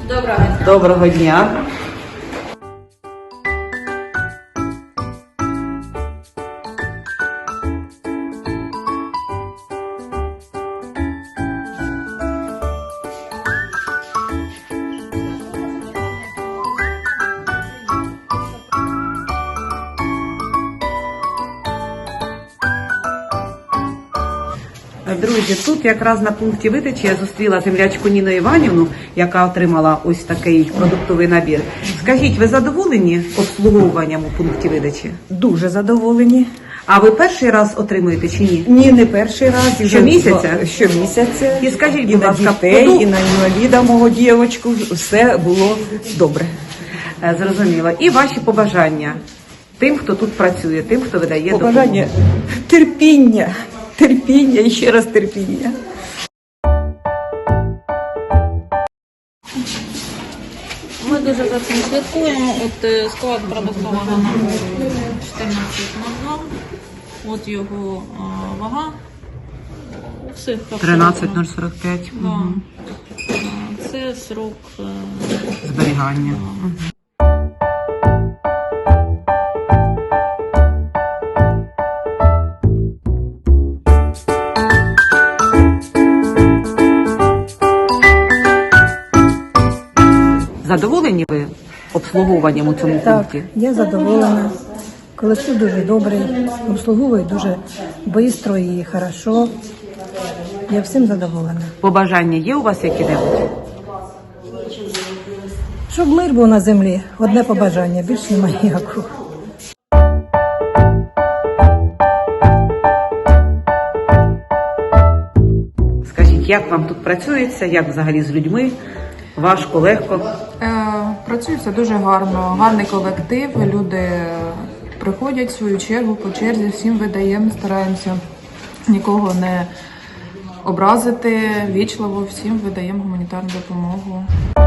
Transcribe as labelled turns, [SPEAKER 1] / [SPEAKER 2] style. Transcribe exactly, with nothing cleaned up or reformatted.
[SPEAKER 1] Доброго дня.
[SPEAKER 2] Доброго дня. Друзі, тут якраз на пункті видачі я зустріла землячку Ніну Іванівну, яка отримала ось такий продуктовий набір. Скажіть, ви задоволені обслуговуванням у пункті видачі?
[SPEAKER 3] Дуже задоволені.
[SPEAKER 2] А ви перший раз отримуєте чи ні?
[SPEAKER 3] Ні, не перший раз. І вже
[SPEAKER 2] Щомісяця?
[SPEAKER 3] два- Щомісяця.
[SPEAKER 2] І скажіть,
[SPEAKER 3] І
[SPEAKER 2] будь
[SPEAKER 3] на
[SPEAKER 2] ласка,
[SPEAKER 3] дітей,
[SPEAKER 2] продукт-
[SPEAKER 3] і на інваліда мого дівочку. Все було добре.
[SPEAKER 2] Е, Зрозуміло. І ваші побажання тим, хто тут працює, тим, хто видає
[SPEAKER 3] Побажання
[SPEAKER 2] допомогу.
[SPEAKER 3] терпіння, терпіння і ще раз терпіння.
[SPEAKER 1] Ми дуже за цим слідкуємо. От е, склад продуктового набору чотирнадцять на два. От його е, вага. У всіх
[SPEAKER 2] тринадцять нуль сорок п'ять.
[SPEAKER 1] Да. Е, Це срок е,
[SPEAKER 2] Зберігання. Мгм. Задоволені ви обслуговуванням у цьому
[SPEAKER 4] Так,
[SPEAKER 2] пункті?
[SPEAKER 4] я задоволена. Колектив дуже добрий, обслуговує дуже швидко і хорошо. Я всім задоволена.
[SPEAKER 2] Побажання є у вас які-небудь?
[SPEAKER 4] Щоб мир був на землі, одне побажання, більше немає ніякого.
[SPEAKER 2] Скажіть, як вам тут працюється, як взагалі з людьми? Важко, легко?
[SPEAKER 5] Е, Працюється дуже гарно, гарний колектив. Люди приходять в свою чергу по черзі, всім видаємо, стараємося нікого не образити, вічливо всім видаємо гуманітарну допомогу.